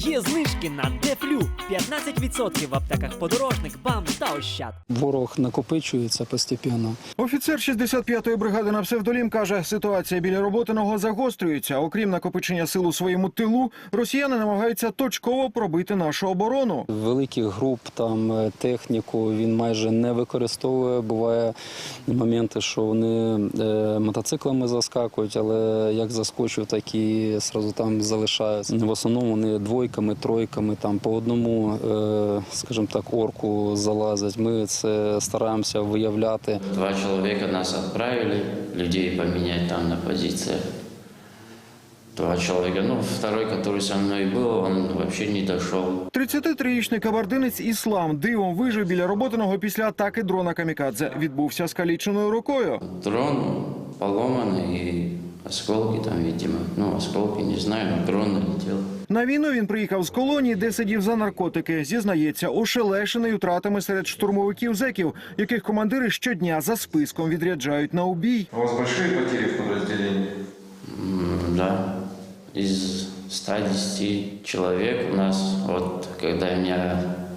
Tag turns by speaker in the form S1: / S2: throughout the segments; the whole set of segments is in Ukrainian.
S1: Є знижки на Дефлю. 15% в аптеках Подорожник, БАМ та Ощад.
S2: Ворог накопичується постійно.
S3: Офіцер 65-ї бригади на псевдолім каже, ситуація біля Роботиного загострюється. Окрім накопичення сил у своєму тилу, росіяни намагаються точково пробити нашу оборону.
S2: Великих груп, там техніку він майже не використовує. Буває моменти, що вони мотоциклами заскакують, але як заскочив, так і одразу там залишаються. В основному вони двойками, тройками, там по одному, скажімо так, орку залазять. Ми це стараємося виявляти.
S4: 2 человека нас отправили, людей поменять там на позициях. 2 человека. Ну, второй, который со мной был, он вообще не дошел.
S3: 33-річний кабардинець Іслам дивом вижив біля Роботиного після атаки дрона камікадзе. Відбувся скаліченою рукою.
S4: Дрон поломанный и осколки там, видимо. Ну, осколки, не знаю, но дрон налетел.
S3: На війну він приїхав з колонії, де сидів за наркотики. Зізнається, ошелешений втратами серед штурмовиків-зеків, яких командири щодня за списком відряджають на убій.
S5: У вас большие потери в подразделении?
S4: Да. Из 110 человек у нас, вот, когда меня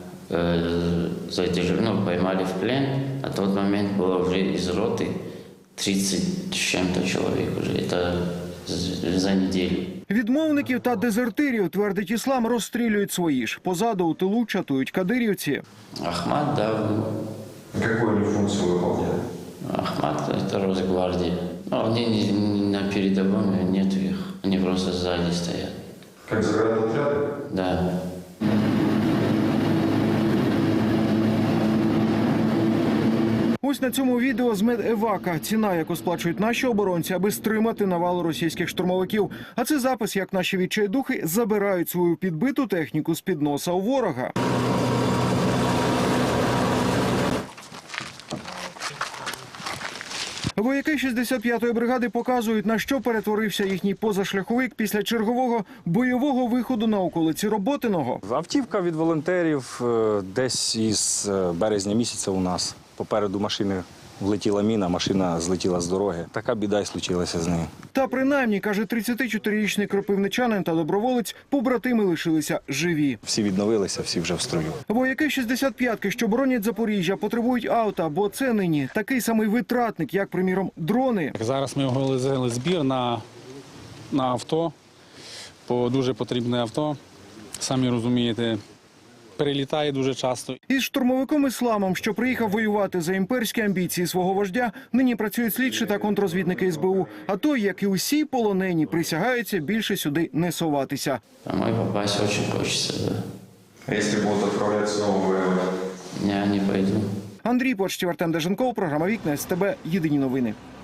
S4: поймали в плен, на тот момент было уже из роты 30 с чем-то человек уже. Это за неделю.
S3: Відмовників та дезертирів, твердить Іслам, розстрілюють свої ж. Позаду у тилу чатують кадирівці.
S4: Ахмат, да.
S5: Какую они функцию выполняют?
S4: Ахмат – это Росгвардия. Но они на передовом, нет их. Они просто сзади стоят.
S5: Как заградотряды?
S4: Да.
S3: Ось на цьому відео з медевака. Ціна, яку сплачують наші оборонці, аби стримати навалу російських штурмовиків. А це запис, як наші відчайдухи забирають свою підбиту техніку з-під носа у ворога. Вояки 65-ї бригади показують, на що перетворився їхній позашляховик після чергового бойового виходу на околиці Роботиного.
S6: Автівка від волонтерів десь із березня місяця у нас. Попереду машини влетіла міна, машина злетіла з дороги. Така біда й случилася з нею.
S3: Та принаймні, каже 34-річний кропивничанин та доброволець, побратими лишилися живі.
S6: Всі відновилися, всі вже в строю.
S3: Вояки 65-ки, що боронять Запоріжжя, потребують авто, бо це нині такий самий витратник, як, приміром, дрони.
S7: Зараз ми оголосили збір на авто, по дуже потрібне авто. Самі розумієте, перелітає дуже часто.
S3: Із штурмовиком Ісламом, що приїхав воювати за імперські амбіції свого вождя, нині працюють слідчі та контррозвідники СБУ. А той, як і усі полонені, присягається більше сюди не соватися.
S4: Домой попасть очень хочется, да.
S5: А если будут отправлять снова воевать?
S4: Я не пойду.
S3: Андрій Почтів, Артем Деженков, програма «Вікна СТБ». Єдині новини.